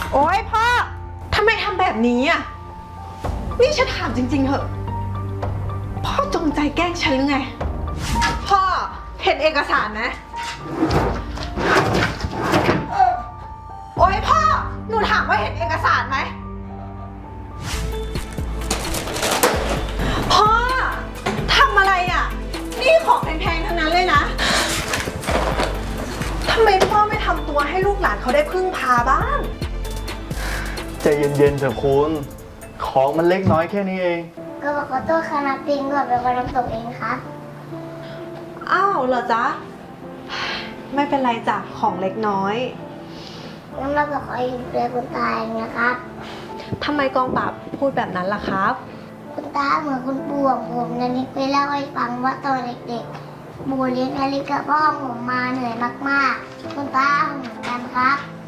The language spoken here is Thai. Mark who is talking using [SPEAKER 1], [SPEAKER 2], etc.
[SPEAKER 1] โอ๊ยพ่อทำไมทำแบบนี้อ่ะนี่ฉันถามจริงๆเหอะพ่อจงใจแกล้งฉันหรือไงพ่อเห็นเอกสารไหมโอ๊ยพ่อหนูถามว่าเห็นเอกสารไหมพ่อทำอะไรอ่ะนี่ของแพงๆทั้งนั้นเลยนะทำไมพ่อไม่ทำตัวให้ลูกหลานเขาได้พึ่งพาบ้าง
[SPEAKER 2] ใจเย็นๆเถอะคุณของมันเล็กน้อยแค่นี้เอง
[SPEAKER 3] ก็บอกขอโทษคณะปิงก่อนเป็นคนทำตกเองครับ
[SPEAKER 1] อ้าวเหรอจ๊ะไม่เป็นไรจ้ะของเล็กน้อย
[SPEAKER 3] งั้นเราก็ขออยู่เพื่อคุณตาเองนะครับ
[SPEAKER 1] ทำไมกองปราบพูดแบบนั้นล่ะครับ
[SPEAKER 3] คุณตาเหมือนคุณปู่ของผมนานิกไปเล่าให้ฟังว่าตอนเด็กๆปู่เลี้ยงนานิกกับพ่อผมมาเหนื่อยมากๆคุณตาเหมือนกันครับ